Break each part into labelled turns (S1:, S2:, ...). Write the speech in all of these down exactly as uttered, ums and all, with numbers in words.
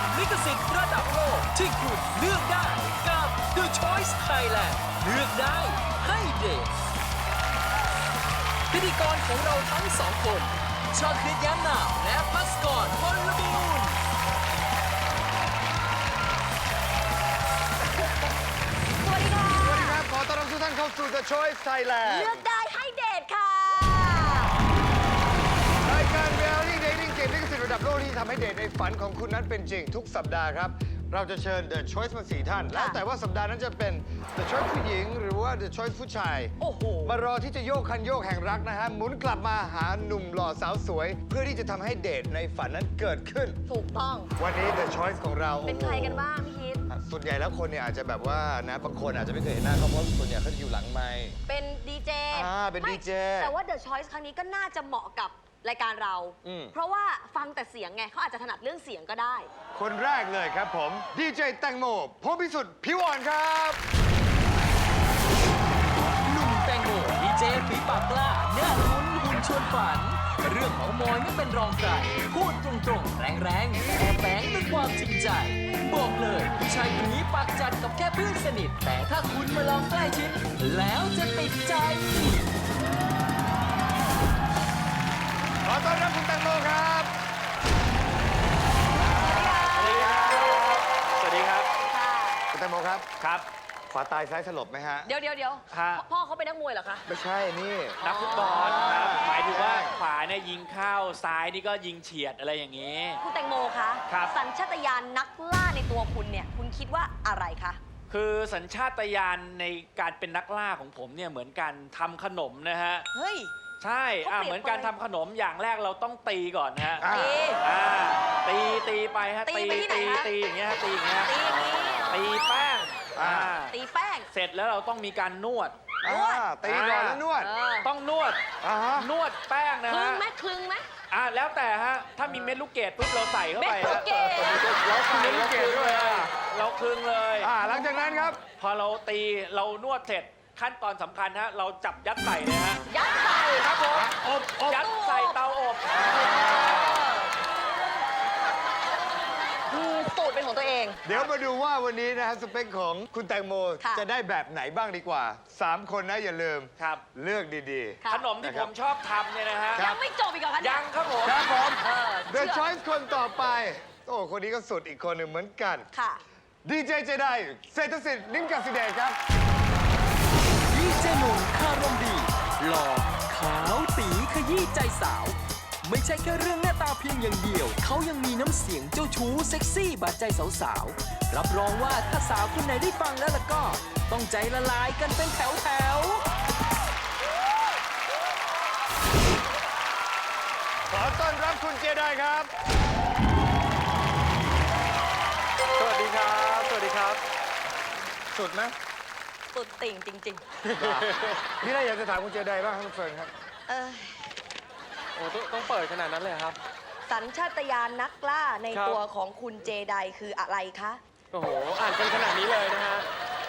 S1: ลิขสิทธิ์ระดับโลกที่คุณเลือกได้กับ The Choice Thailand เลือกได้ให้เด็กพิธีกรของเราทั้งสองคนชาคริตย้ำนามและพัสกรพลบูรณ์
S2: สวัสดีค่ะ
S3: สวัสดีครับ ขอต้อนรับทุกท่านเข้าสู่ The Choice Thailand
S2: เลือกได้ให้เดทค่ะ
S3: รายการ Reality Dating เกมลิขสิทธิ์ระดับโลกที่ทำให้เดทในฝันของคุณนั้นเป็นจริงทุกสัปดาห์ครับ เราจะเชิญ The Choice มาสี่ท่าน แล้วแต่ว่าสัปดาห์นั้นจะเป็น The Choice ผู้หญิงหรือว่า The Choice ผู้ชาย
S2: โอ้โห
S3: มารอที่จะโยกคันโยกแห่งรักนะฮะหมุนกลับมาหาหนุ่มหล่อสาวสวย เพื่อที่จะทำให้เดทในฝันนั้นเกิดขึ้น
S2: ถูกต้อง
S3: วันนี้ The Choice ของเรา
S2: เป็นใครกันบ้างพี่คิด
S3: ส่วนใหญ่แล้วคนเนี่ยอาจจะแบบว่านะบางคนอาจจะไม่เคยเห็นหน้าเขาเพราะส่วนใหญ่เขาจะอยู่หลังไมค์
S2: เป็นดีเจ
S3: อ่าเป็น
S2: ไม่
S3: ดีเจ
S2: แต่ว่า The Choice ครั้งนี้ก็น่าจะเหมาะกับรายการเรา
S3: อืม
S2: เพราะว่าฟังแต่เสียงไงเขาอาจจะถนัดเรื่องเสียงก็ได้
S3: คนแรกเลยครับผมดีเจแตงโมพงษ์พิสุทธิ์ผิวอ่อนครับ
S1: หนุ่มแตงโมดีเจฝีปากกล้าหน้าลุ้นหุ่นชวนฝัน เรื่องของมอยไม่เป็นรองใครพูดตรงๆ แรงๆแต่แฝงด้วยความจริงใจ บอกเลยผู้ชายคนนี้ปากจัดกับแค่เพื่อนสนิท แต่ถ้าคุณมาลองใกล้ชิดแล้วจะติดใจ
S3: ขอต้อนรับคุณแตงโมครับ
S4: สวัสดีครับ สวัสดีครับ
S2: ค่ะ
S3: คุณแตงโมครับ
S4: ครับ
S3: ขวาตายซ้ายสลบไหมฮะ
S2: เดี๋ยวเดี๋ยวเดี๋ยว
S4: ฮะ
S2: พ่อเขาเป็นนักมวยเหรอคะ
S3: ไม่ใช่นี่
S4: นักฟุตบอลครับ หมายถึงว่า
S3: ใช่
S4: ขวาเนี่ยยิงเข้า ซ้ายนี่ก็ยิงเฉียดอะไรอย่างนี้
S2: คุณแตงโมคะ
S4: ครับ
S2: สัญชาตญาณนักล่าในตัวคุณเนี่ย คุณคิดว่าอะไรคะ
S4: คือสัญชาตญาณในการเป็นนักล่าของผมเนี่ยเหมือนกันทำขนมนะฮะ
S2: เฮ้ย
S4: ใช่อ่ะ
S2: เขาเปรียบ
S4: เหมือนการทำขนมอย่างแรกเราต้องตีก่อนฮะ
S3: อ่า
S2: ตี
S4: อ่าตีตีไปฮะ
S2: ตีไปที่ไหน
S4: ตี
S2: คะ
S4: ตีอย่างเงี้ยฮะตีอย่างเงี้ย
S2: ตีอย่างนี้
S4: ตีแป้งอ่า
S2: ตีแป้ง
S4: เสร็จแล้วเราต้องมีการนวด
S2: นวด
S3: อ่าตีก่อนแล้วนวด
S2: เออ
S4: ต้องนวด
S3: อ่าฮะ
S4: นวดแป้งนะ
S2: คลึง
S4: ฮะ
S2: ไหมคลึงไหม
S4: อ่ะแล้วแต่ฮะ ถ้ามีเม็ดลูกเกดปุ๊บเราใส่เข้า
S2: เม็ด
S4: ไป
S2: ลูก
S4: ฮะ
S2: เกด
S4: เราใส่เราคลึงเลยอะเราคลึงเลย
S3: อ่าหลังจากนั้นครับ
S4: พอเราตีเรานวดเสร็จขั้นตอนสำคัญฮะเราจับยัดใส่เลยฮะ
S2: ยัดใส่
S4: ครับผม
S3: อบอบ
S4: ยัดใส่เตาอบ
S2: คือสูตรเป็นของตัวเอง
S3: เดี๋ยวมาดูว่าวันนี้นะฮะสเปคของคุณแตงโม
S2: ค่ะ
S3: จะได้แบบไหนบ้างดีกว่าสามคนนะอย่าลืม
S4: ครับ
S3: เลือกดี
S2: ค่ะ
S4: ขนมที่ผมชอบทำเนี่ยนะฮะ
S3: ครั
S2: ยั
S3: บ
S2: งไม่จบอีกเหรอคะเนี่
S4: ยังครับผม
S3: ๆ ครับผม
S2: เออ
S3: The
S2: เชื่อ
S3: Choice คนต่อไป โอ้ คนนี้ก็สุดอีกคนหนึ่งเหมือนกัน
S2: ค่ะ
S3: ดีเจเจไดเศรษฐศิษย์นิ่มกสิเดชครับ
S1: ดีเจหนุ่มคารมดีหล่อขาวตีขยี้ใจสาว ไม่ใช่แค่เรื่องหน้าตาเพียงอย่างเดียว เขายังมีน้ำเสียงเจ้าชู้เซ็กซี่บาดใจสาวๆ รับรองว่าถ้าสาวคนไหนได้ฟังแล้วล่ะก็ ต้องใจละลายกันเป็นแถวๆ
S3: ขอต้อนรับคุณเจไดครับ
S5: สวัสดีครับ สวัสดีครับ
S3: สุดไหม
S2: สุดติ่งจริง
S3: นี่เราอยากจะถามคุณเจไดบ้างครับคุณเฟิร์นครับ
S2: ๆ เออ
S5: โอ้ต้องต้องเปิดขนาดนั้นเลยเหรอครับ
S2: สัญชาตญาณนักล่าใน
S5: ครับ
S2: ตัวของคุณเจไดคืออะไรคะ
S5: โอ้โห อ่านกันขนาดนี้เลยนะฮะ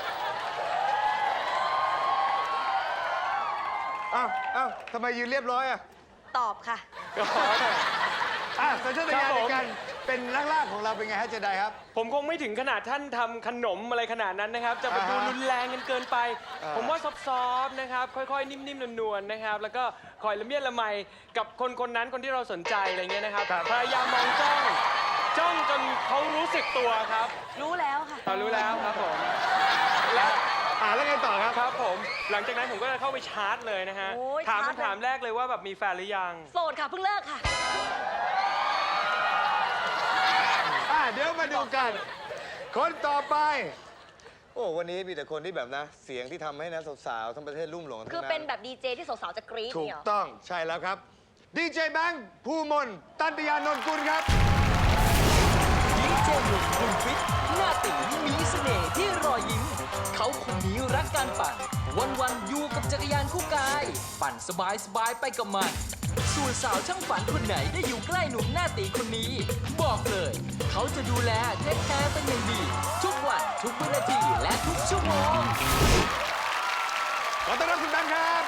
S3: อ้าวอ้าวทำไมยืนเรียบร้อยอ่ะ
S2: ตอบค่ะ
S5: ก็
S3: อ่ะสัญชาตญาณ
S5: ครับ
S3: ใน
S5: ผม
S3: การเป็นนักล่าของเราเป็นไงฮะเจไดครับ
S5: ผมคงไม่ถึงขนาดท่านทำขนมอะไรขนาดนั้นนะครับ จะไปดู
S3: อ่าฮะ
S5: รุนแรงกันเกินไป
S3: อ่า
S5: ผมว่าซอฟๆนะครับ ค่อยๆ นิ่มๆ นวลๆ นะครับ แล้วก็คอยละเมียดละไมกับคนคนนั้นคนที่เราสนใจอะไรเงี้ยนะครับ พยายามมองจ้อง จ้องจนเขารู้สึกตัวครับ
S2: รู้แล้วค่ะ
S5: เรารู้แล้วครับผม และ
S3: อ่าแล้วไงต่อครับ
S5: ครับผม หลังจากนั้นผมก็จะเข้าไปชาร์จเลยนะฮะ
S2: โอ้ย
S5: ถาม
S2: ชาร์จเลย
S5: คำถามแรกเลยว่าแบบมีแฟนหรือยัง
S2: โสดค่ะเพิ่งเลิกค่ะ
S3: อ่ะเดี๋ยวมาดูกัน คนต่อไป โอ้วันนี้มีแต่คนที่แบบนะ เสียงที่ทำให้นะสาวๆทั้งประเทศลุ่มหลงทั้ง
S2: คือ
S3: นั้น
S2: เป็นแบบดีเจที่สาวๆจะกรี๊ด
S3: ถูก
S2: เนี่ยเหรอ
S3: ต้องใช่แล้วครับดีเจแบงค์ภูมนตันติยานนท์กุลครับ
S1: ดีเจหนุ่มหุ่นฟิตหน้าตีมีเสน่ห์ที่รอยยิ้ม เขาคนนี้รักการปั่น วันๆอยู่กับจักรยานคู่กาย ปั่นสบายๆไปกับมัน ส่วนสาวช่างฝันคนไหนได้อยู่ใกล้หนุ่มหน้าตีคนนี้ บอกเลย เขาจะดูแลเทคแคร์เป็นอย่างดี ทุกวันทุกวินาทีและทุกชั่วโมง
S3: ขอต้อนรับคุณแบงค์ครับ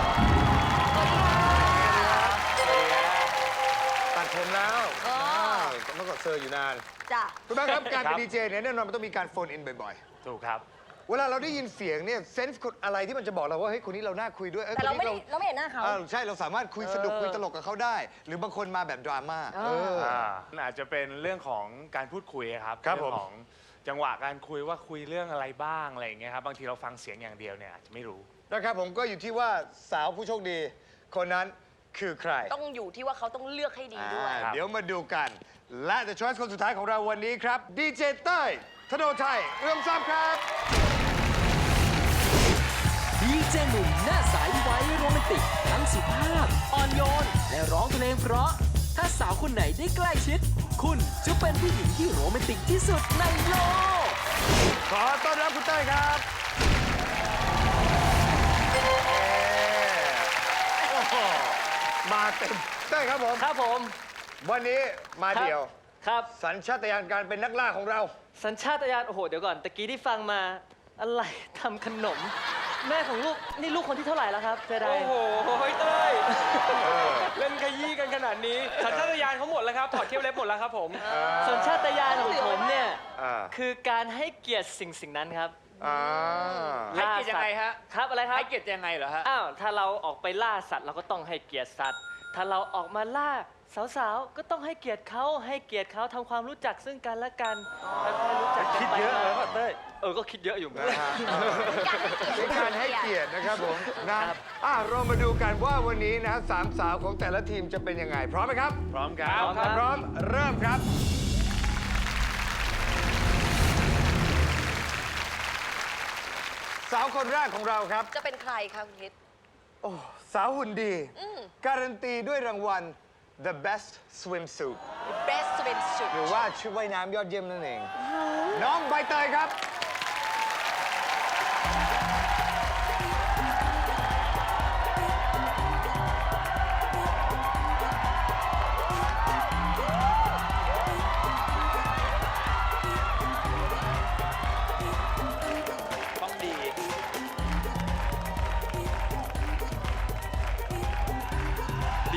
S3: ตัดผมแล้ว
S2: อ๋อ
S3: อ่าเมื่อก่อนเซอร์อยู่นาน
S2: จ้ะ
S3: คุณแม่ครับการ
S6: ครั
S3: เป็น
S6: บ
S3: ดีเจเนี่ยแน่นอนมันต้องมีการโฟนอินบ่อย
S6: ถูกครับ
S3: ๆ เวลาเราได้ยินเสียงเนี่ยเซนส์อะไรที่มันจะบอกเราว่าเฮ้ยคนนี้เราน่าคุยด้วยอ้ย
S2: แต่เรา
S3: คน
S2: ไม่
S3: นี้
S2: ได้เราไม่เห็นหน้าเขา
S3: อ่าใช่เราสามารถคุยสนุก
S2: เออ
S3: คุยตลกกับเขาได้ หรือบางคนมาแบบดราม่า
S2: เออ
S3: เออ
S6: อ่าอาจจะเป็นเรื่องของการพูดคุยครับ
S3: ครับ
S6: เรื่อง
S3: ผม
S6: ของจังหวะการคุยว่าคุยเรื่องอะไรบ้างอะไรอย่างเงี้ยครับบางทีเราฟังเสียงอย่างเดียวเนี่ยอาจจะไม่รู้
S3: นะครับผมก็อยู่ที่ว่าสาวผู้โชคดี คนนั้นคือใคร
S2: ต้องอยู่ที่ว่าเขาต้องเลือกให้ดีด้วย
S3: อ่า
S6: ครับ
S3: เดี๋ยวมาดูกัน และ The Choice คนสุดท้ายของเราวันนี้ครับดีเจเต้ยธโนชัยเอื้อมทรัพย์ครับ
S1: ดีเจหนุ่มหน้าใสไว้โรแมนติก ทั้งสุภาพ อ่อนโยน และร้องเพลงเพราะ ถ้าสาวคนไหนได้ใกล้ชิด คุณจะเป็นผู้หญิงที่โรแมนติกที่สุดในโลก
S3: ขอต้อนรับคุณเต้ยครับเอ่โอ้โหมาเต็มเต้ยครับผม
S5: ครับผม
S3: วันนี้มาเดียว
S5: ครับ
S3: สัญชาตญาณการเป็นนักล่าของเรา
S5: สัญชาตญาณโอ้โห เดี๋ยวก่อนตะกี้ที่ฟังมาอะไรทำขนม แม่ของลูก นี่ลูกคนที่เท่าไหร่แล้วครับเจไดโอ้โหเต้ยเล่นขยี้กันขนาดนี้ สัญชาตญาณเขาหมดแล้วครับ ถอดเขี้ยวเล็บหมดแล้วครับผม สัญชาตญาณของผมเนี่ย
S3: อ่า
S5: คือการให้เกียรติสิ่งสิ่งนั้นครับ
S3: อ่า
S4: ให้เกียรติยังไงฮะ
S5: ครับอะไรครับ
S4: ให้เกียรติยังไงเหรอฮะ
S5: อ้าว ถ้าเราออกไปล่าสัตว์เราก็ต้องให้เกียรติสัตว์ ถ้าเราออกมาล่าสาวๆ ก็ต้องให้เกียรติเขาให้เกียรติเขาทำความรู้จักซึ่งกันและกันค่อยๆรู้จักกัน
S3: คิด
S5: ไป
S3: เยอะเลย
S5: มา
S3: ป่ะเต้ย
S5: เออ ก็คิดเยอะอยู่เหมือนกัน
S3: เป็นการให้เกียรตินะครับผมนะอ่ะเรามาดูกันว่าวันนี้นะฮะสามสาวของแต่ละทีมจะเป็นยังไง พร้อมไหมครับ
S6: พร้อมครับ
S3: ถ้าพร้อมเริ่มครับ สาวคนแรกของเราครับ
S2: จะเป็นใครคะคุณคิด
S3: โอ้สาวหุ่นดี
S2: อืม
S3: การันตีด้วยรางวัล The Best Swimsuit
S2: best swimsuit
S3: หรือว่าชุดว่ายน้ำยอดเยี่ยมนั่นเอง น้องใบเตยครับ
S4: ต้องดี
S5: ดี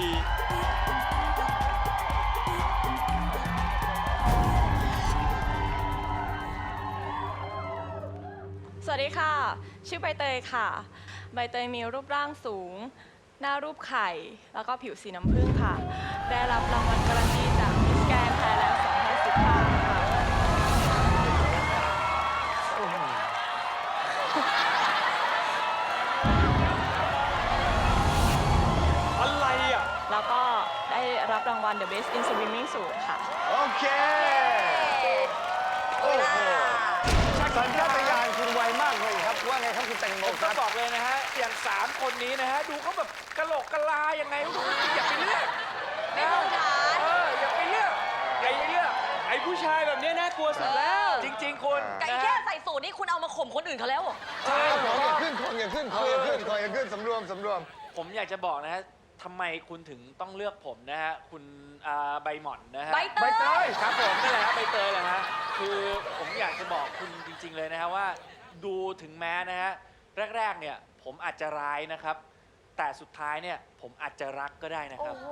S7: สวัสดีค่ะ ชื่อใบเตยค่ะ ใบเตยมีรูปร่างสูง หน้ารูปไข่ แล้วก็ผิวสีน้ำผึ้งค่ะ ได้รับรางวัลการันตีจากมิสแกรนด์ไทยแลนด์สองพันสิบห้าค่ะ
S5: อะไรอ่ะ
S7: แล้วก็ได้รับรางวัล The Best in Swimming Suit ค่ะ
S3: โอเค โอ้โห สัญชาตญาณคุณไวมากเลยครับ ว่าไงครับคุณแตงโม
S4: ผม
S3: ค
S4: ก็
S3: รับ
S4: บอกเลยนะฮะ อย่างสามคนนี้นะฮะ ดูเขาแบบกะโหลกกะลายังไงดูอย่าไปเลือก
S2: ไม่พื้นฐาน
S4: เอออย่าไปเลือกอย่าไปเลือก
S5: ไอ้ผู้ชายแบบเนี้ยน่ากลัวสุดแล้ว
S4: จริง ๆ คุณ
S2: ไก่
S4: นะ
S2: แค่
S4: ฮะ
S2: ใส่สูตรนี่คุณเอามาข่มคนอื่นเขาแล้วเหรอ
S3: ใช่ของอย่าขึ้นของอย่าขึ้นของอย่าขึ้นของอย่าขึ้นสำรวมสำรวม
S4: ผมอยากจะบอกนะฮะทำไมคุณถึงต้องเลือกผมนะฮะ คุณอ่าใบหม่อนนะฮะ
S2: ใบเต
S3: ใบ
S2: ย
S3: เตย
S4: ครับผมนี่แหละฮะใบเตยแหละฮะคือผมอยากจะบอกคุณจริง ๆ เลยนะฮะว่า ดูถึงแม้นะฮะแรก ๆ เนี่ย ผมอาจจะร้ายนะครับ แต่สุดท้ายเนี่ยผมอาจจะรักก็ได้นะค
S2: โอ้
S4: รับ
S2: โห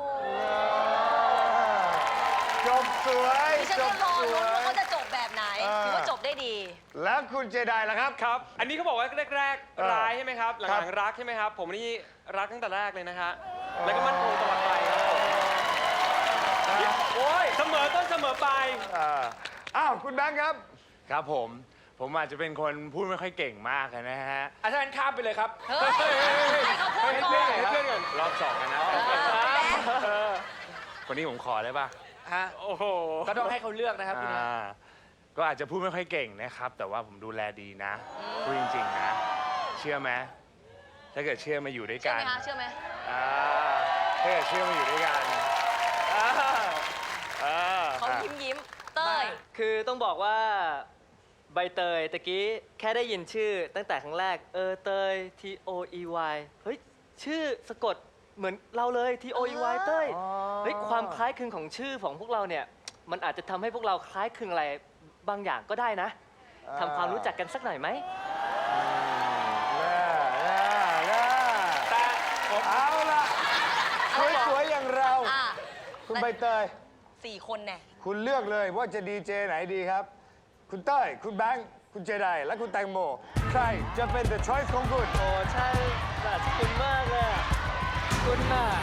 S3: จบสวย
S2: ดิฉัน
S3: จ
S2: ก็
S3: บ
S2: รอ
S3: ส
S2: ลุ้
S3: วน
S2: ว่าย เขาจะจบแบบไหน
S3: เออ
S2: ถือว่าจบได้ดี
S3: แล้วคุณเจไดล่ะครับ
S5: ครับ อันนี้เขาบอกว่าแรก
S3: เออ
S5: ๆร้ายใช่ไหมครับ ห
S3: ครั
S5: ลั
S3: บ
S5: งๆรักใช่ไหมครับ ผมนี่รักตั้งแต่แรกเลยนะฮะ แล้วก็มั่นคงตลอดไปครับผมโอ้ยเสมอต้นเสมอปลาย
S3: อ่าอ้าว คุณแบงค์ครับ
S6: ครับผม ผมอาจจะเป็นคนพูดไม่ค่อยเก่งมากนะฮะ
S4: อาจารย์ข้ามไปเลยครับ
S2: เฮ้ย ให้เขาพูดก่อน
S5: ให้เพื่อนก่อน
S6: รอบสองกันนะ
S2: เออ
S6: คนนี้ผมขอได้ปะ
S4: ฮะ
S5: โอ้โห
S4: ก็ต้องให้เขาเลือกนะครับคุณนะ
S6: อ่าก็อาจจะพูดไม่ค่อยเก่งนะครับ แต่ว่าผมดูแลดีนะพูดจริงๆนะ เชื่อไหมถ้าเกิดเชื่อมาอยู่ด้วย
S2: เชื่อ
S6: กั
S2: ไห
S6: น
S2: มคะ เชื่อไหม
S6: อ่าถ้าเกิดเชื่อมาอยู่ด้วยกันอ่าอ่า
S2: เขายิ้มยิ้มเต้ย
S5: คือต้องบอกว่าใบเตยตะกี้แค่ได้ยินชื่อตั้งแต่ครั้งแรก เออเตย T O E Y เฮ้ย ชื่อสะกดเหมือนเราเลย T O E Y เต้ย เฮ้ย ความคล้ายคลึงของชื่อของพวกเราเนี่ย มันอาจจะทำให้พวกเราคล้ายคลึงอะไรบางอย่างก็ได้นะทำความรู้จักกันสักหน่อยไหม
S3: น่าน่าน่า
S4: แต่ผม
S3: เอาล่ะ สวยๆอย่างเรา
S2: อ่ะ
S3: คุณใบเตย
S2: ฟสี่คนแน่
S3: คุณเลือกเลยว่าจะดีเจไหนดีครับ คุณเต้ย คุณแบงค์ คุณเจได และคุณแตงโม ใครจะเป็น the choice ของคุณ
S5: โอ้ใช่แบบคุณมากเลยอะคุณน่ะ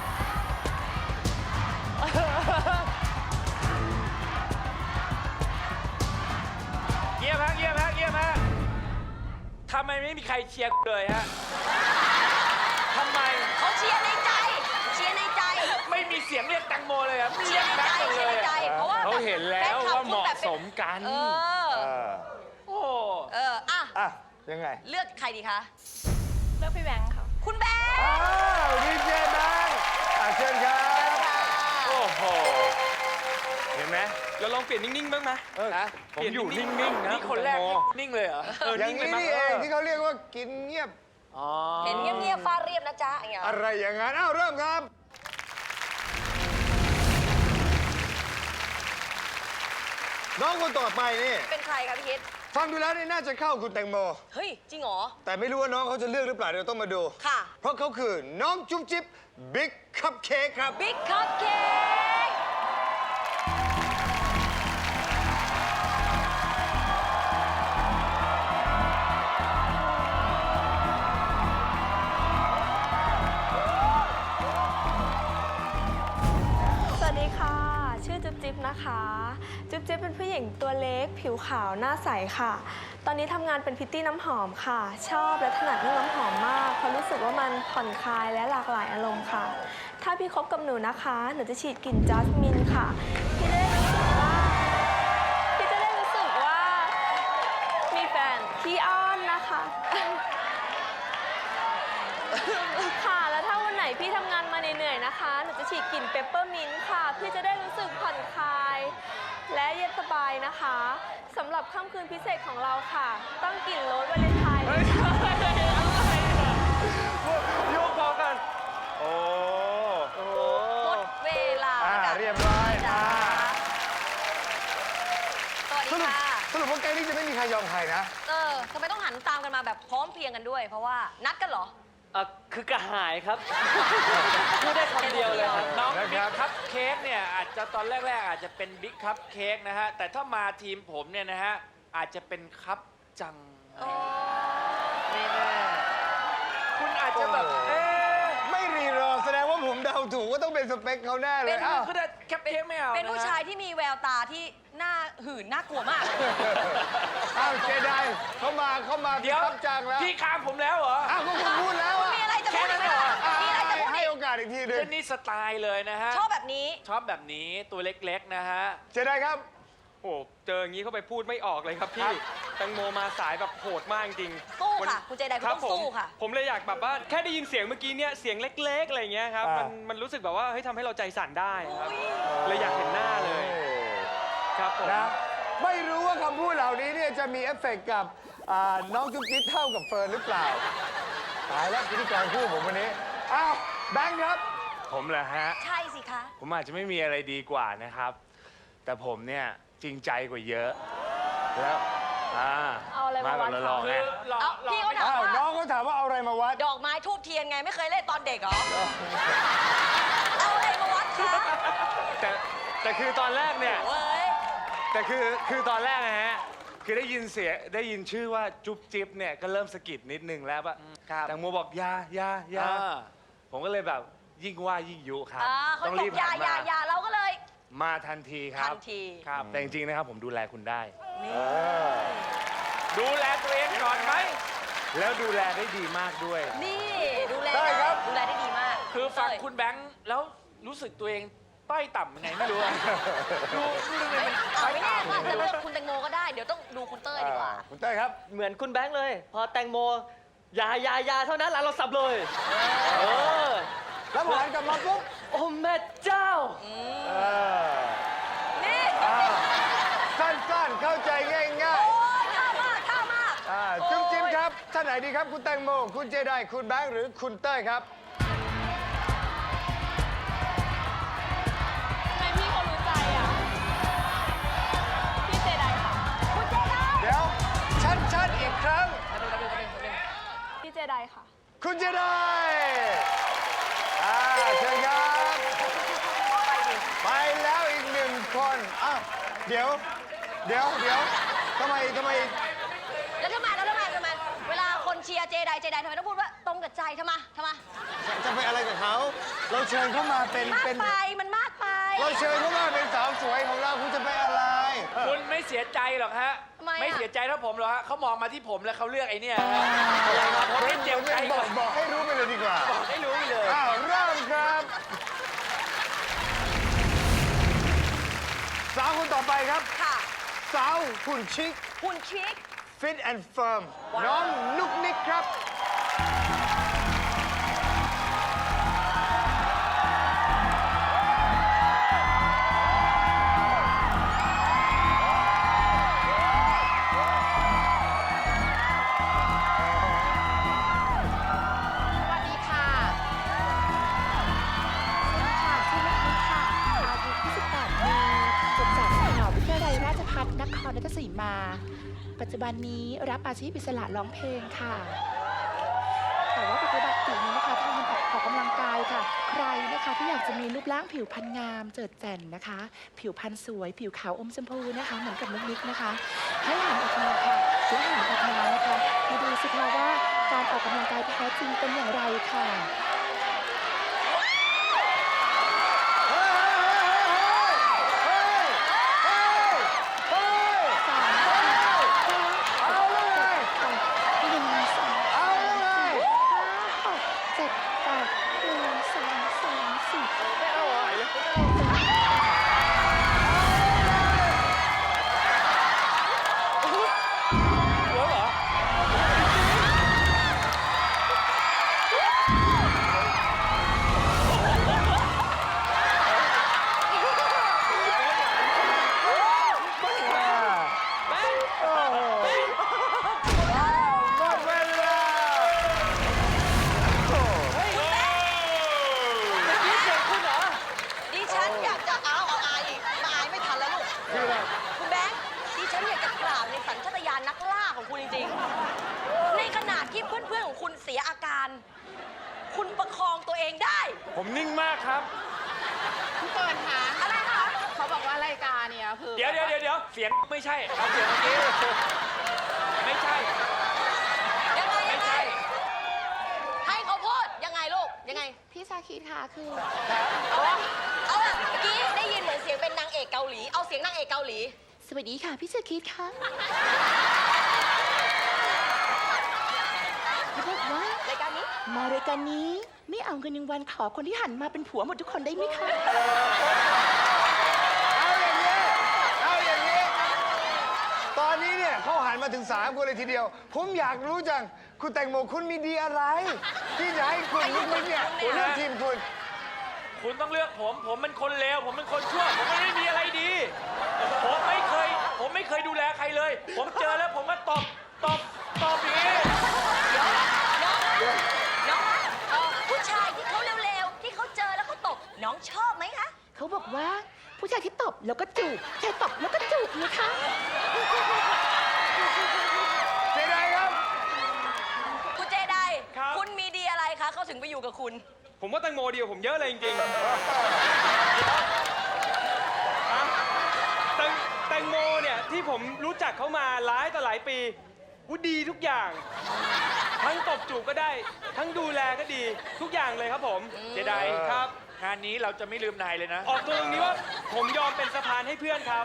S4: เยี่ยมฮะเยี่ยมฮะเยี่ยมฮะทำไมไม่มีใครเชียร์กูเลยฮะทำไม
S2: เขาเชียร์ในใจ เชียร์ในใจ
S4: ไม่มีเสียงเรียกแตงโมเลยอะ
S2: เชี
S4: เรี
S2: ย
S4: ย
S2: ร์
S4: ก
S2: ใน
S4: แบ
S2: ใจ
S4: งค์หมด
S2: เชี
S4: เลย ย
S2: ร์ในใจ
S4: อะ
S2: เพราะว่า
S6: เขาเห็นแล้วว่าเหมาะสมกัน
S2: เออ
S3: เออ
S4: โอ้
S2: เออ อ่ะ
S3: อ่ะ ยังไง
S2: เลือกใครดีคะ
S7: เลือกพี่แบงค์ค่ะ
S2: คุณแบงค์
S3: อ้าวดีเจแบงค์อ่ะเชิญครับ
S2: ค่ะ
S6: โอ้โห เห็นไหม
S5: เราลองเปลี่ยนนิ่งๆบ้างไหม
S3: เออ
S4: นะ
S6: ผมอยู่นิ่งๆนะ
S4: นี่คนแรก
S6: คุณแตงโม
S4: นิ่งเลยเหรอ
S5: เออ
S3: อย่าง
S5: นิ่งเลย
S3: นี้
S5: มั้ย
S3: นี่เองที่เขาเรียกว่ากินเงียบ
S4: อ๋อ
S2: เห็นเงียบๆฟาดเรียบนะจ๊ะอย่างเงี้ย
S3: อะไรอย่างนั้น อ้าว เริ่มครับ น้องคนต่อไปนี่
S2: เป็นใครคะพี่คิด
S3: ฟังดูแล้วนี่น่าจะเข้าคุณแตงโม
S2: เฮ้ย จริงเหรอ
S3: แต่ไม่รู้ว่าน้องเขาจะเลือกหรือเปล่าเดี๋ยวต้องมาดู
S2: ค่ะ
S3: เพราะเขาคือน้องจุ๊บจิ๊บบิ๊กคัพเค้กครับ
S2: บิ๊กคัพเค้ก
S8: สวัสดีค่ะ ชื่อจุ๊บจิ๊บนะคะ จุ๊บจิ๊บเป็นผู้หญิงตัวเล็ก ผิวขาว หน้าใสค่ะ ตอนนี้ทำงานเป็นพริตตี้น้ำหอมค่ะ ชอบและถนัดเรื่องน้ำหอมมาก เพราะรู้สึกว่ามันผ่อนคลายและหลากหลายอารมณ์ค่ะ ถ้าพี่คบกับหนูนะคะ หนูจะฉีดกลิ่นจัสมินค่ะ พี่จะได้รู้สึกว่า พี่จะได้รู้สึกว่า มีแฟนขี้อ้อนนะคะ ค่ะ แล้วถ้าวันไหนพี่ทำงานมาเหนื่อยๆนะคะ หนูจะฉีดกลิ่นเปปเปอร์มินต์ค่ะ พี่จะได้รู้สึกผ่อนคลาย และเย็นสบายนะคะสำหรับค่ำคืนพิเศษของเราค่ะ ต้องกลิ่นโรสวาเลนไทน์เลยค่ะ
S6: โยกพอกัน โอ้
S5: โอ้
S2: หมดเวลา
S3: อ่า
S2: ค่ะ
S3: เรียบร้อย
S2: จ้า
S3: อ่า
S2: สวัส
S3: ส
S2: ดี
S3: รุป
S2: ค่ะ
S3: สรุปว่าแกงนี้จะไม่มีใครยอมใครนะ
S2: เออทำไมต้องหันตามกันมาแบบพร้อมเพรียงกันด้วย เพราะว่านัดกันเหรอ
S5: อ่ะคือกระหายครับ พูดได้คำเดียวเลยครับ
S4: น้อง
S3: นะค
S4: บิ๊
S3: รั
S4: ก
S3: บ
S4: คัพเค้กเนี่ยอาจจะตอนแรก ๆ อาจจะเป็นบิ๊กคัพเค้กนะฮะ แต่ถ้ามาทีมผมเนี่ยนะฮะ อาจจะเป็นคัพจัง ไม่แน่ คุณอาจจะแบบ เอ๊ะ
S3: ไม่รีรอแสดงว่าผมเดาถูกว่าต้องเป็นสเปคเขาแน่เล
S2: เป็
S3: ย
S2: น
S3: อ้าว
S4: คือแต่คัพเค้กไม่เอา
S2: เป็นผู้
S4: ะฮะ
S2: ชายที่มีแววตาที่หน้าหื่นน่ากลัวมาก
S3: อ้าวเจไดเขามาเขามา
S4: เดี๋ยว
S3: ครับจังแล้ว
S4: พี่ข้ามผมแล้วเหรอ
S3: อ้าวก็คุณพูดแล้วอะ
S2: มีอะไรจะพูดอีกไหมล่ะ
S3: อ่ะ
S2: มีอะไรจะพูด
S3: ให้
S2: อีก
S3: โอกาสอีกทีหนึ
S4: เจ
S3: ง
S4: นนี่สไตล์เลยนะฮะ
S2: ชอบแบบนี้
S4: ชอบแบบนี้ตัวเล็ก ๆ นะฮะ
S3: เจไดครับ
S5: โอ้เจออย่างนี้เข้าไปพูดไม่ออกเลยครับพี่แตงโมมาสายแบบโหดมากจริง
S2: สู้ค่ะ
S5: วัน
S2: คุณเจไดคุณ
S5: รับ
S2: ต้องสู้
S5: ผม
S2: ค่ะ
S5: ผมเลยอยากแบบว่าแค่ได้ยินเสียงเมื่อกี้เนี่ยเสียงเล็ก ๆ อะไรเงี้ยครับ
S3: อ่ามั
S5: มันมันรู้สึกแบบว่าเฮ้ยทำให้เราใจสั่นได้ครับ เลยอยากเห็นหน้าเลยครับผม
S3: นะไม่รู้ว่าคำพูดเหล่านี้เนี่ยจะมีเอฟเฟกต์กับอ่าน้องจุ๊บจิ๊บเท่ากับเฟิร์นหรือเปล่า ตายแล้วพิธีกรคู่ผมวันนี้ อ้าวแบงค์ครับ
S6: ผมเหรอฮะ
S2: ใช่สิคะ
S6: ผมอาจจะไม่มีอะไรดีกว่านะครับ แต่ผมเนี่ยจริงใจกว่าเยอะ แล้วอ่า
S8: เอาอะไรมาวัด
S6: กับ
S8: เขา
S6: รอๆ
S4: คื
S6: ไง
S4: อหลอก
S2: เอ้า
S4: หลอก
S2: พี่เขา
S4: ไม่
S2: ถาม
S3: อ้าว
S2: ว่า
S3: น้องเขาถามว่าเอาอะไรมาวัด
S2: ดอกไม้ทูบเทียนไงไม่เคยเล่นตอนเด็กเหรอ เอาอะไรมาวัดคะ
S6: แต่แต่คือตอนแรกเนี่ย
S2: เว้ย
S6: แต่คือคือตอนแรกนะฮะ คือได้ยินเสียงได้ยินชื่อว่าจุ๊บจิ๊บเนี่ยก็เริ่มสะกิดนิดนึงแล้วว่า
S4: ครับ
S6: แตงโมบอกอยาอยาอยา
S4: อ่า
S6: ผมก็เลยแบบยิ่งว่ายิ่งยุครับ
S2: อ่าเขา
S6: ต้อง
S2: บอ
S6: รีบ
S2: กอยา
S6: หัน
S2: อยา
S6: มา
S2: อยาเราก็เลย
S6: มาทันทีค
S2: ทั
S6: รับ
S2: นที
S4: ครับ
S6: แต่จริงๆนะครับผมดูแลคุณได้
S4: ดูแลตัวเองก่อนไหม
S6: แล้วดูแลได้ดีมากด้วย
S2: นี่ดูแล
S3: ได้ครับ
S2: ดูแลได้ดีมาก
S4: คือฟัง
S2: เต้ย
S4: คุณแบงค์แล้วรู้สึกตัวเองต้อยต่ำยังไงไม่รู้อะดูดูทำไมมัน
S2: เอา
S4: ต้อย
S2: ไม่แน่ก็อาจ
S4: ต่ำ
S2: จะเลือกคุณแตงโมก็ได้ เดี๋ยวต้องดูคุณเต้ยดีกว่า
S3: อ่าคุณเต้ยครับ
S5: เหมือนคุณแบงค์เลย พอแตงโมอยาอยาอยาเท่านั้นแล้วเราสับเลยเออ
S3: แล้วพอหันกลับมาปุ๊บ
S5: โอ้แม่เจ้า
S3: เออ
S2: นี่
S3: อ้าวสั้นๆ เข้าใจง่าย
S2: โอ้ยท่ามากท่ามาก
S3: ๆอ่าจุ๊บจิ๊บครับท่านไหนดีครับ คุณแตงโม คุณเจไดคุณแบงค์หรือคุณเต้ยครับ
S7: ทำไมพี่เขารู้ใจอ่ะ พี่เจไดค่ะ
S2: คุณเจได
S3: เดี๋ยว ชัดๆ อีกครั้ง
S7: พี่เจไดค่ะ
S3: คุณเจไดอ่าเชิญครับ ไปแล้วอีกหนึ่งคนอ้าวเดี๋ยว เดี๋ยวเดี๋ยวทำไมทำไม
S2: แล้วทำไมแล้วทำไมทำไมเวลาคนเชียร์เจไดเจไดทำไมต้องพูดว่าตรงกับใจทำไมทำไม
S3: จะไปอะไรกับเขา เราเชิญเขามาเป็น
S2: มาก
S3: เป็น
S2: ไปมันมากไป
S3: เราเชิญเขามาเป็นสาวสวยของเราคุณจะไปอะไร
S4: คุณไม่เสียใจหรอกฮะ
S2: ทำไมอะ
S4: ไม่เสียใจเท่าผมหรอกฮะเขามองมาที่ผมแล้วเขาเลือกไอ้เนี่ยฮะอะไรครับผมไม่เจ็บใจ
S3: บ
S4: ก่
S3: อ
S4: อก น
S3: บอกให้รู้ไปเลยดีกว่า
S4: บอกให้รู้ไปเลย
S3: อ้าวเริ่มครับ สาวคนต่อไปครับ
S2: ค่ะ
S3: สาวหุ่นชิค
S2: หุ่นชิค
S3: Fit and Firm น้องนุกนิกครับ
S9: สวัสดีค่ะ สวัสดีค่ะ ชื่อเล็กนิดค่ะ อายุยี่สิบแปดปีจบจากมหาวิทยาลัยราชภัฏนครราชสีมา ปัจจุบันนี้รับอาชีพอิสระร้องเพลงค่ะ แต่ว่าปฏิบัติอยู่นี้นะคะทำงานออกกำลังกายค่ะ ใครนะคะที่อยากจะมีรูปร่างผิวพรรณงามเจิดแจ่นนะคะ ผิวพรรณสวย ผิวขาวอมชมพูนะคะ เหมือนกับนุกนิกนะคะ ให้หันออกมาค่ะและหันออกมานะคะมาดูสิคะว่าการออกกำลังกายแท้จริงเป็นอย่างไรค่ะ
S3: เอาเลย
S9: หนึ่งสอง
S3: เอาเลย
S9: หกเจ็ดแปดหนึ่งสองสามสี่
S5: ไม่เอาไหวเลย
S4: หัวเหรอ
S3: หมดเวลา
S4: นี่เสียงคุณเหรอ
S2: ดิฉันอยากจะเอาเอาอายอีกมาอายไม่ทันแล้วลูก
S3: คืออะไร
S2: คุณแบงค์ดิฉันอยากจะกราบในสัญชาตญาณนักล่าของคุณจริงๆ ในขณะที่เพื่อนๆของคุณเสียอาการ คุณประคองตัวเองได้
S6: ผมนิ่งมากครับ
S9: พี่เปิดคะ
S2: อะไรคะ
S9: เขาบอกว่ารายการเนี่ยคือ
S4: เดี๋ยวเดี๋ยวเดี๋ยวเดี๋ยวเสียงไม่ใช่เอาเสียงเมื่อกี้ไม่ใช่
S2: ยังไง
S4: ไม่
S2: ยังไง
S4: ใช่
S2: ให้เขาพูดยังไงลูก ยังไง
S9: พี่ชาคิดค่ะคือ
S2: เอาละเอาละเมื่อกี้ได้ยินเหมือนเสียงเป็นนางเอกเกาหลี เอาเสียงนางเอกเกาหลี
S9: สวัสดีค่ะพี่ชาคิดค่ะเขาบอกว่าร
S2: ายการนี้
S9: มารายการนี้ไม่เอาเงินรางวัลขอคนที่หันมาเป็นผัวหมดทุกคนได้ไหมคะ
S3: เอาอย่างนี้ เอาอย่างนี้ ตอนนี้เนี่ยเขาหันมาถึงสามคนเลยทีเดียว ผมอยากรู้จัง คุณแตงโมคุณมีดีอะไร ที่จะให้คุณนุกนิกเนี่ยเลือกทีมคุณ
S4: คุณต้องเลือกผม ผมเป็นคนเลว ผมเป็นคนชั่ว ผมไม่ได้มีอะไรดี ผมไม่เคย ผมไม่เคยดูแลใครเลย ผมเจอแล้วผมก็ตบ ตบ ตบอย่างนี้
S2: น้องคะเอ่อผู้ชายที่เขาเร็วๆ ที่เขาเจอแล้วเขาตบ น้องชอบไหมคะ
S9: เขาบอกว่าผู้ชายที่ตบแล้วก็จูบชายตบแล้วก็จูบนะคะ
S3: เจไดครับ
S2: คุณเจได
S5: ครับ
S2: คุณมีดีอะไรคะเขาถึงไปอยู่กับคุณ
S5: ผมว่าแตงโมเดียวผมเยอะเลยจริงๆฮะแตงแตงโมเนี่ยที่ผมรู้จักเขามาหลายต่อหลายปีวุดีทุกอย่าง ทั้งตบจูบก็ได้ ทั้งดูแลก็ดีทุกอย่างเลยครับผม
S4: เจได
S5: ครับ
S4: งานนี้เราจะไม่ลืมนายเลยนะ
S5: ออกตัวตรงนี้ว่าผมยอมเป็นสะพานให้เพื่อนครับ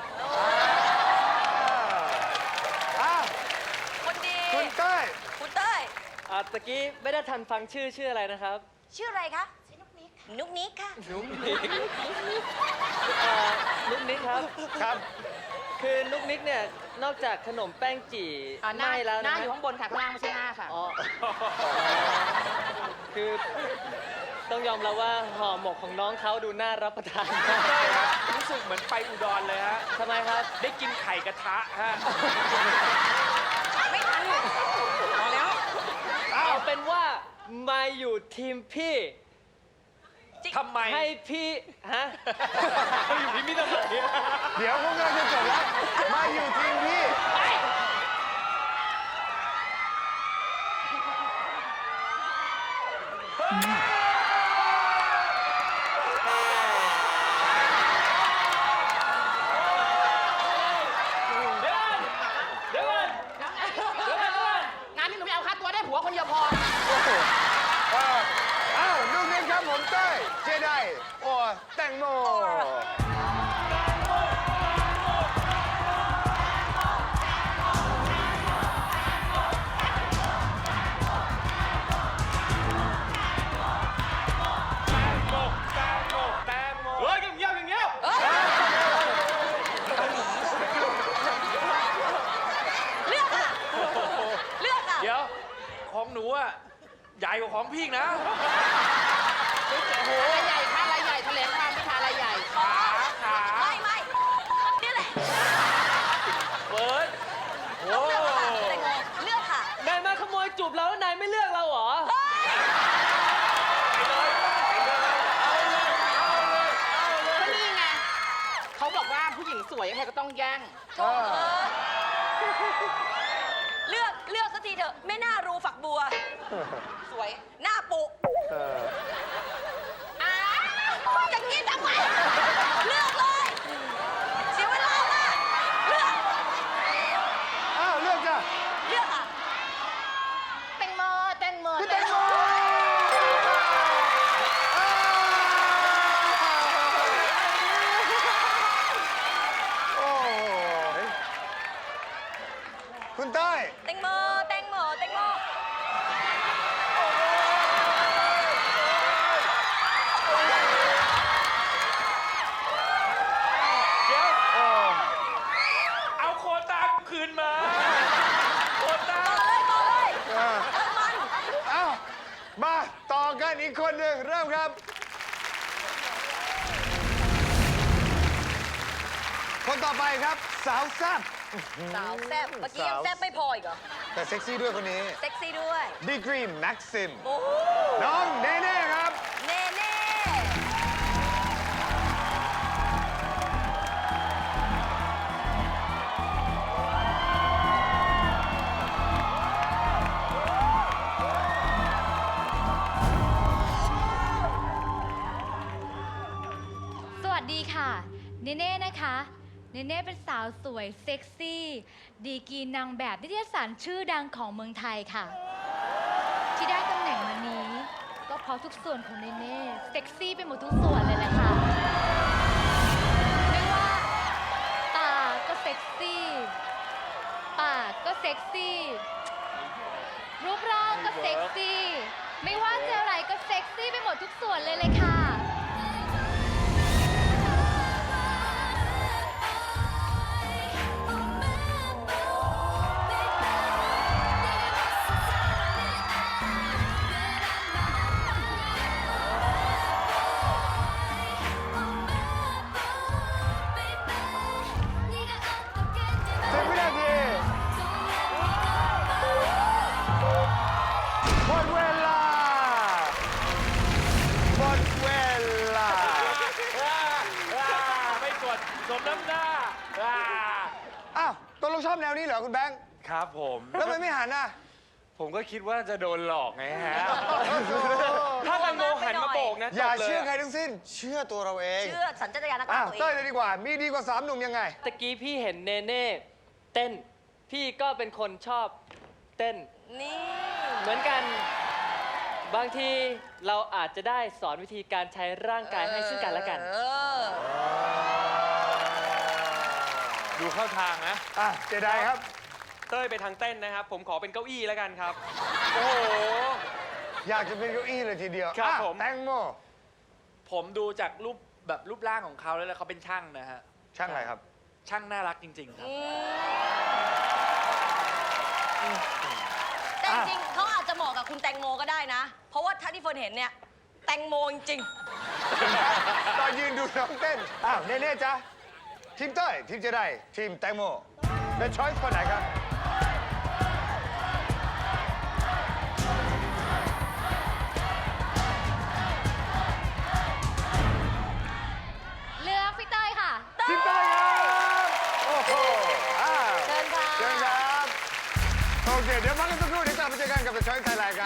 S3: อ้าว
S2: คนดี
S3: คุณเต้ย
S2: คุณเต้ย
S5: อ่าตะกี้ไม่ได้ทันฟังชื่อชื่ออะไรนะครับ
S2: ชื่ออะไรคะชื่อนุกนิกนุกนิกค่ะ
S5: นุ๊กนิกเอ่อนุ๊กนิกครับ
S3: ครับ
S5: คือนุ๊กนิกเนี่ยนอกจากขนมแป้งจี่
S9: อ่าหน้า
S5: ไม่แล้ว
S9: ห
S5: นะ
S9: น้า
S5: ฮะ
S9: อยู่ข้างบนค่ะ ข้างล่างไม่ใช่หน้าค่ะ
S5: อ๋อ คือต้องยอมรับว่าห่อหมกของน้องเขาดูน่ารับประทานมาก
S4: ใช่ฮะรู้สึกเหมือนไปอุดรเลยฮะ
S5: ทำไมครับ
S4: ได้กินไข่กระทะฮะ
S2: ไม่ทันพอแล้ว
S5: เอาเป็นว่ามาอยู่ทีมพี่
S4: ทำไม
S5: ให้พี่ฮะ มาอยู่ทีมพี่ทำไม
S3: เดี๋ยวพวกเราจะจบแล้ว มาอยู่ทีมพี่
S4: ของพี่อีกนะ
S9: อะไรใหญ่ค่ะอะไรใหญ่แถลงความพิธาอะไรใหญ่
S4: ขาขา
S2: ไม่ไม่นี่แหละ
S4: เฟิร์สโอ้
S2: เลือกค่ะแตงโมเลือกค่ะ
S5: นายมาขโมยจูบเราแล้วนายไม่เลือกเราเหรอ
S9: ก็นี่ไงเขาบอกว่าผู้หญิงสวยใครก็ต้องแย่ง
S2: โถ่เอ้ยเลือกเลือกสักทีเถอะไม่น่ารู้ฝักบัว สวย หน้าปุอ้าวจะกินทำไมเลือกเลยเสียเวลามากเลือก
S3: อ้าว เลือกจ้ะ
S2: เลือกค่ะ
S9: แตงโมแตงโม
S3: พี่แตงโมอ้าวโอ้โหคุณเต้ย
S2: แตงโมแตงโมแตงโม
S4: เดี๋ยว
S3: โอ้
S4: เอาโควต้าคืนมาโควต้า
S2: ต่อเลยต่อเลย
S3: อ่า
S2: เออมัน
S3: เอ้า มาต่อกันอีกคนหนึ่งเริ่มครับ คนต่อไปครับ สาวแซ่บ
S2: สาวแซ่บเมื่อกี้ยังแซ่บไม่พออีกเหรอ
S3: แต่เซ็กซี่ด้วยคนนี้
S2: เซ็กซี่ด้วย
S3: ดีกรีแม็กซิม
S2: โอ้โห
S3: น้องเนเน่ครับ
S2: เน่เน่
S10: สวัสดีค่ะ เนเน่นะคะ เนเน่เป็นสาวสวยเซ็กซี่ ดีกรีนางแบบนิตยสารชื่อดังของเมืองไทยค่ะ ที่ได้ตำแหน่งมานี้ ก็เพราะทุกส่วนของเนเน่เซ็กซี่ไปหมดทุกส่วนเลยแหละค่ะ ไม่ว่าตาก็เซ็กซี่ ปากก็เซ็กซี่ รูปร่างก็เซ็กซี่ ไม่ว่าจะอะไรก็เซ็กซี่ไปหมดทุกส่วนเลยเลยค่ะ
S3: สิบวินาทีหมดเวลาหมดเวลา
S4: อ่าอ่าไม่กดสมน้ำหน้าอ่า
S3: อ้าวตกลงชอบแนวนี้เหรอคุณแบงค์
S6: ครับผม
S3: แล้วทำไมไม่หันอ่ะ
S6: ผมก็คิดว่าจะโดนหลอกไงฮะ
S5: ถ้าแตงโมหันมาโบกนะ
S3: อย่า
S5: จบล
S3: เชื่อใครทั้งสิ้น เชื่อตัวเราเอง
S2: เชื่อสัญชาตญาณนัก
S3: อ้า
S2: ล่าว ตัวเอ
S3: เต้ย
S2: ง
S3: เลยดีกว่า มีดีกว่าสามหนุ่มยังไง
S5: ตะกี้พี่เห็นเนเน่เต้น พี่ก็เป็นคนชอบเต้น
S2: นี่
S5: เหมือนกัน บางทีเราอาจจะได้สอนวิธีการใช้ร่างกายให้ซึ่งกันและกัน
S2: เออ
S6: ดูเข้าทางนะ
S3: อ่ะเจไดครับ
S11: เต้ยไปทางเต้นนะครับ ผมขอเป็นเก้าอี้แล้วกันครับ
S4: โอ้โห
S3: อยากจะเป็นเก้าอี้เลยทีเดียว
S11: ครับ
S3: อ่ะ
S11: ผม
S3: แตงโม
S4: ผมดูจากรูปแบบรูปร่างของเขาแล้วเขาเป็นช่างนะฮะ
S3: ช่างอะไรครับ
S4: ช่างน่ารักจริง ๆ ครับ
S2: แต่จริงๆเขาอาจจะเหมาะกับคุณแตงโมก็ได้นะ เพราะว่าถ้าที่เฟิร์นเห็นเนี่ย แตงโมจริง
S3: ตอนยืนดูน้องเต้น อ้าวเน่ๆจ๊ะ ทีมเต้ย ทีมเจไดทีมแตงโมเป็นช้อยส์คนไหนครับ
S10: เลือกพี่เต้ยค่ะ
S3: ทีมเต้ยครับ โอ้โหอ้าว
S2: ๆ เชิญค่ะ
S3: เชิญครับ โอเค เดี๋ยวพักกันสักครู่เดี๋ยวกลับมาเจอกันกับ The Choice Thailand ครับ